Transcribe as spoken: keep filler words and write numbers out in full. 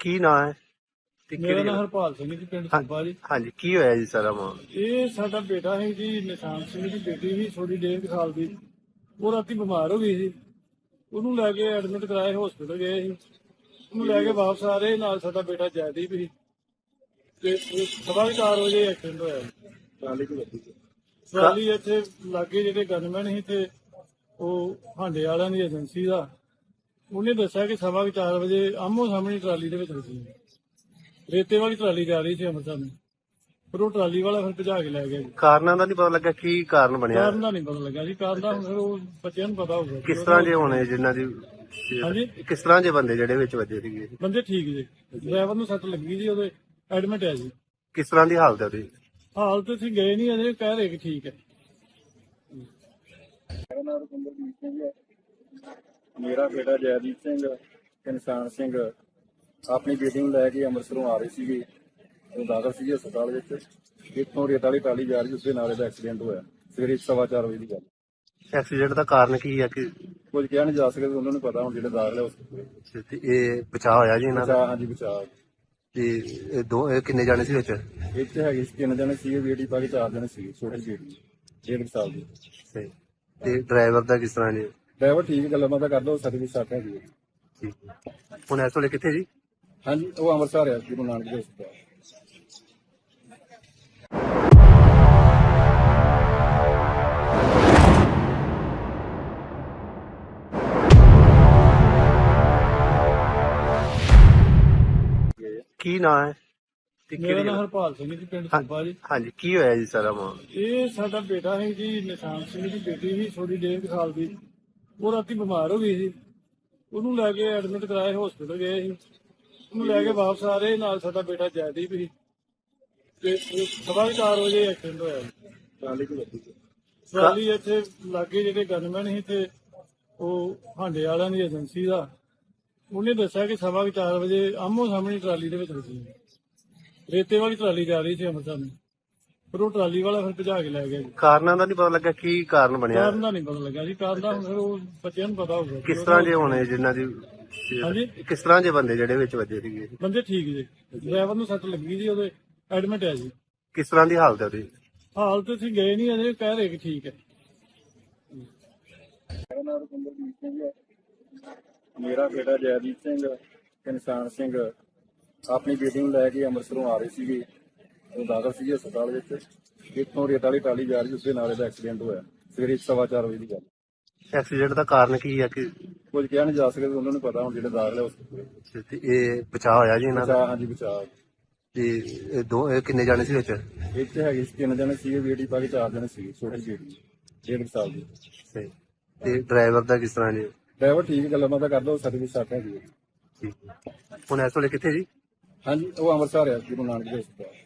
ਕੀ ਨਾਂ ਹੈ ਤੇ ਮੇਰਾ ਕਿਹੜੀ ਨਾਮ ਜਗ੍ਹਾ? ਹਰਪਾਲ ਸਿੰਘ ਜੀ, ਪਿੰਡ ਹਾਂ- ਸੁੱਬਾ ਜੀ। ਹਾਂਜੀ, ਕੀ ਹੋਇਆ ਜੀ ਸਾਰਾ ਮਾਮਲਾ? ਇਹ ਸਾਡਾ ਬੇਟਾ ਹੈ ਜੀ, ਨਿਸ਼ਾਨ ਸਿੰਘ ਦੀ ਬੇਟੀ ਸੀ, ਥੋੜੀ ਡੇਢ ਕੁ ਸਾਲ ਦੀ। ਉਹ ਰਾਤੀ ਬਿਮਾਰ ਹੋ ਗਈ ਸੀ, ਉਹਨੂੰ ਲੈ ਕੇ ਐਡਮਿਟ ਕਰਾਏ, ਹਸਪੀਟਲ ਗਏ ਸੀ। ਉਹਨੂੰ ਲੈ ਕੇ ਵਾਪਸ ਆ ਰਹੇ ਨਾਲ ਸਾਡਾ ਬੇਟਾ ਜੈਦੀਪ ਸੀ, ਤੇ ਸਵਾ ਚਾਰ ਵਜੇ ਐਕਸੀਡੈਂਟ ਹੋਇਆ ਜੀ। ਟਰਾਲੀ ਦੀ ਗੱਡੀ ਟਰਾਲੀ ਇੱਥੇ ਲਾਗੇ ਜਿਹੜੇ ਗਨਮੈਨ ਸੀ ਤੇ ਉਹ ਹਾਂਡੇ ਵਾਲਿਆਂ ਦੀ ਏਜੰਸੀ ਦਾ, ਉਹਨੇ ਦੱਸਿਆ ਕਿ ਸਵਾ ਚਾਰ ਵਜੇ ਆਮੋ ਸਾਹਮਣੇ ਟਰਾਲੀ ਦੇ ਵਿੱਚ ਸੀ। ਰੇਤੇ ਵਾਲੀ ਟਰਾਲੀ ਜਾ ਰਹੀ ਸੀ ਅੰਮ੍ਰਿਤਸਰ ਨੂੰ, ਪਰ ਉਹ ਟਰਾਲੀ ਵਾਲਾ ਫਿਰ ਭਜਾ ਕੇ ਲੈ ਗਿਆ ਜੀ। ਕਾਰਨਾਂ ਦਾ ਨਹੀਂ ਪਤਾ ਲੱਗਾ ਕੀ ਕਾਰਨ ਬਣਿਆ? ਕਾਰਨ ਦਾ ਨਹੀਂ ਪਤਾ ਲੱਗਾ ਜੀ, ਕਾਰਨ ਦਾ ਹੁਣ ਫਿਰ ਉਹ ਬੱਚਿਆਂ ਨੂੰ ਪਤਾ ਹੋਊਗਾ। ਕਿਸ ਤਰ੍ਹਾਂ ਦੇ ਹੋਣੇ ਜਿਨ੍ਹਾਂ ਦੀ? ਹਾਂਜੀ, ਕਿਸ ਤਰ੍ਹਾਂ ਦੇ ਬੰਦੇ ਜਿਹੜੇ ਵਿੱਚ ਵੱਜੇ ਸੀਗੇ? ਬੰਦੇ ਠੀਕ ਜੀ, ਡਰਾਈਵਰ ਨੂੰ ਸੱਟ ਲੱਗੀ ਜੀ, ਉਹਦੇ ਐਡਮਿਟ ਹੈ ਜੀ। ਕਿਸ ਤਰ੍ਹਾਂ ਦੀ ਹਾਲਤ ਹੈ ਉਹਦੀ? ਹਾਲਤ ਅਸੀਂ ਗਏ ਨਹੀਂ ਅਜੇ, ਕਹਿ ਰਹੇ ਕਿ ਠੀਕ ਹੈ। ਮੇਰਾ ਬੇਟਾ ਜੈਦੀਪ ਸਿੰਘ ਤੇ ਨਿਸ਼ਾਨ ਸਿੰਘ ਆਪਣੀ ਬੇਟੀ ਨੂੰ ਲੈ ਕੇ ਅੰਮ੍ਰਿਤਸਰੋਂ ਆ ਰਹੇ ਸੀਗੇ। ਉਹ ਦਾਖਲ ਸੀਗੇ ਹਸਪਤਾਲ ਵਿੱਚ। ਇੱਥੋਂ ਰੇਤ ਵਾਲੀ ਟਰਾਲੀ ਜਾ ਰਹੀ, ਉਸਦੇ ਨਾਲ ਇਹਦਾ ਐਕਸੀਡੈਂਟ ਹੋਇਆ ਸਵੇਰੇ ਸਵਾ ਚਾਰ ਵਜੇ ਦੀ ਗੱਲ। ਐਕਸੀਡੈਂਟ ਦਾ ਕਾਰਨ ਕੀ ਹੈ? ਕਿ ਕੁਝ ਕਿਹਾ ਨਹੀਂ ਜਾ ਸਕਦਾ, ਉਹਨਾਂ ਨੂੰ ਪਤਾ ਹੁਣ ਜਿਹੜੇ ਦਾਖਲ ਹੈ ਹਸਪਤਾਲ। ਤੇ ਇਹ ਬਚਾਅ ਹੋਇਆ ਜੀ ਇਹਨਾਂ ਦਾ? ਬਚਾਅ, ਹਾਂਜੀ ਬਚਾਅ। ਤੇ ਇਹ ਦੋ ਇਹ ਕਿੰਨੇ ਜਾਣੇ ਸੀ ਵਿੱਚ? ਇੱਥੇ ਹੈਗੇ ਸੀ ਤਿੰਨ ਜਣੇ ਸੀਗੇ, ਬੇਟੀ ਪਾ ਕੇ ਚਾਰ ਜਣੇ ਸੀਗੇ, ਛੋਟੀ ਬੇਟੀ ਡੇਢ ਕੁ ਸਾਲ ਦੀ। ਸਹੀ। ਤੇ ਡਰਾਈਵਰ ਦਾ ਕਿਸ ਤਰ੍ਹਾਂ ਜੀ? ਡਰਾਈਵਰ ਠੀਕ, ਗੱਲਾਂ ਬਾਤਾਂ ਕਰਦਾ, ਉਹ ਸਰਵਿਸ ਸੱਟ ਹੈਗੀ ਹੈ। ਠੀਕ। ਹੁਣ ਇਸ ਵੇਲੇ ਕਿੱਥੇ ਜੀ? ਹਾਂਜੀ, ਉਹ ਅੰਮ੍ਰਿਤਸਰ ਆ, ਗੁਰੂ ਨਾਨਕ ਦੇ ਹਸਪਤਾਲ। ਕੀ ਨਾਂ ਹੈ ਤੇ ਮੇਰਾ ਕਿਹੜੀ ਨਾਮ ਜਗ੍ਹਾ? ਹਰਪਾਲ ਸਿੰਘ ਜੀ, ਪਿੰਡ ਹਾਂ- ਸੁੱਬਾ ਜੀ। ਹਾਂਜੀ, ਕੀ ਹੋਇਆ ਜੀ ਸਾਰਾ ਮਾਮਲਾ? ਇਹ ਸਾਡਾ ਬੇਟਾ ਹੈ ਜੀ, ਨਿਸ਼ਾਨ ਸਿੰਘ ਦੀ ਬੇਟੀ ਸੀ, ਥੋੜੀ ਡੇਢ ਕੁ ਸਾਲ ਦੀ। ਉਹ ਰਾਤੀ ਬਿਮਾਰ ਹੋ ਗਈ ਸੀ, ਉਹਨੂੰ ਲੈ ਕੇ ਐਡਮਿਟ ਕਰਾਏ, ਹਸਪੀਟਲ ਗਏ ਸੀ। ਉਹਨੂੰ ਲੈ ਕੇ ਵਾਪਸ ਆ ਰਹੇ ਨਾਲ ਸਾਡਾ ਬੇਟਾ ਜੈਦੀਪ ਸੀ, ਤੇ ਸਵਾ ਚਾਰ ਵਜੇ ਐਕਸੀਡੈਂਟ ਹੋਇਆ ਜੀ। ਟਰਾਲੀ ਦੀ ਗੱਡੀ ਟਰਾਲੀ ਇੱਥੇ ਲਾਗੇ ਜਿਹੜੇ ਗਨਮੈਨ ਸੀ ਤੇ ਉਹ ਹਾਂਡੇ ਵਾਲਿਆਂ ਦੀ ਏਜੰਸੀ ਦਾ, ਉਹਨੇ ਦੱਸਿਆ ਕਿ ਸਵਾ ਚਾਰ ਵਜੇ ਆਮੋ ਸਾਹਮਣੇ ਟਰਾਲੀ ਦੇ ਵਿੱਚ ਸੀ। ਰੇਤੇ ਵਾਲੀ ਟਰਾਲੀ ਜਾ ਰਹੀ ਸੀ ਅੰਮ੍ਰਿਤਸਰ ਨੂੰ, ਪਰ ਉਹ ਟਰਾਲੀ ਵਾਲਾ ਫਿਰ ਭਜਾ ਕੇ ਲੈ ਗਿਆ ਜੀ। ਕਾਰਨਾਂ ਦਾ ਨਹੀਂ ਪਤਾ ਲੱਗਾ ਕੀ ਕਾਰਨ ਬਣਿਆ? ਕਾਰਨ ਦਾ ਨਹੀਂ ਪਤਾ ਲੱਗਾ ਜੀ, ਕਾਰਨ ਦਾ ਹੁਣ ਫਿਰ ਉਹ ਬੱਚਿਆਂ ਨੂੰ ਪਤਾ ਹੋਊਗਾ। ਕਿਸ ਤਰ੍ਹਾਂ ਦੇ ਹੋਣੇ ਜਿਨ੍ਹਾਂ ਦੀ? ਹਾਂਜੀ, ਕਿਸ ਤਰ੍ਹਾਂ ਦੇ ਬੰਦੇ ਜਿਹੜੇ ਵਿੱਚ ਵੱਜੇ ਸੀਗੇ? ਬੰਦੇ ਠੀਕ ਜੀ, ਡਰਾਈਵਰ ਨੂੰ ਸੱਟ ਲੱਗੀ ਜੀ, ਉਹਦੇ ਐਡਮਿਟ ਹੈ ਜੀ। ਕਿਸ ਤਰ੍ਹਾਂ ਦੀ ਹਾਲਤ ਹੈ ਉਹਦੀ? ਹਾਲਤ ਅਸੀਂ ਗਏ ਨਹੀਂ ਅਜੇ, ਕਹਿ ਰਹੇ ਕਿ ਠੀਕ ਹੈ। ਮੇਰਾ ਬੇਟਾ ਜੈਦੀਪ ਸਿੰਘ ਤੇ ਨਿਸ਼ਾਨ ਸਿੰਘ ਆਪਣੀ ਬੇਟੀ ਨੂੰ ਲੈ ਕੇ ਅੰਮ੍ਰਿਤਸਰੋਂ ਆ ਰਹੇ ਸੀਗੇ। ਉਹ ਦਾਖਲ ਸੀਗੇ ਹਸਪਤਾਲ ਵਿੱਚ। ਇੱਥੋਂ ਰੇਤ ਵਾਲੀ ਟਰਾਲੀ ਜਾ ਰਹੀ, ਉਸਦੇ ਨਾਲ ਇਹਦਾ ਐਕਸੀਡੈਂਟ ਹੋਇਆ ਸਵੇਰੇ ਸਵਾ ਚਾਰ ਵਜੇ ਦੀ ਗੱਲ। ਐਕਸੀਡੈਂਟ ਦਾ ਕਾਰਨ ਕੀ ਹੈ? ਕਿ ਕੁਝ ਕਿਹਾ ਨਹੀਂ ਜਾ ਸਕਦਾ, ਉਹਨਾਂ ਨੂੰ ਪਤਾ ਹੁਣ ਜਿਹੜੇ ਦਾਖਲ ਹੈ ਹਸਪਤਾਲ। ਤੇ ਇਹ ਬਚਾਅ ਹੋਇਆ ਜੀ ਇਹਨਾਂ ਦਾ? ਬਚਾਅ, ਹਾਂਜੀ ਬਚਾਅ। ਤੇ ਇਹ ਦੋ ਇਹ ਕਿੰਨੇ ਜਾਣੇ ਸੀ ਵਿੱਚ? ਇੱਥੇ ਹੈਗੇ ਸੀ ਤਿੰਨ ਜਣੇ ਸੀਗੇ, ਬੇਟੀ ਪਾ ਕੇ ਚਾਰ ਜਣੇ ਸੀਗੇ, ਛੋਟੀ ਬੇਟੀ ਡੇਢ ਕੁ ਸਾਲ ਦੀ। ਸਹੀ। ਤੇ ਡਰਾਈਵਰ ਦਾ ਕਿਸ ਤਰ੍ਹਾਂ ਜੀ? ਡਰਾਈਵਰ ਠੀਕ, ਗੱਲਾਂ ਬਾਤਾਂ ਕਰਦਾ, ਉਹ ਸਰਵਿਸ ਸੱਟ ਹੈਗੀ ਹੈ। ਠੀਕ। ਹੁਣ ਇਸ ਵੇਲੇ ਕਿੱਥੇ ਜੀ? ਹਾਂਜੀ, ਉਹ ਅੰਮ੍ਰਿਤਸਰ ਆ, ਗੁਰੂ ਨਾਨਕ ਦੇ ਹਸਪਤਾਲ।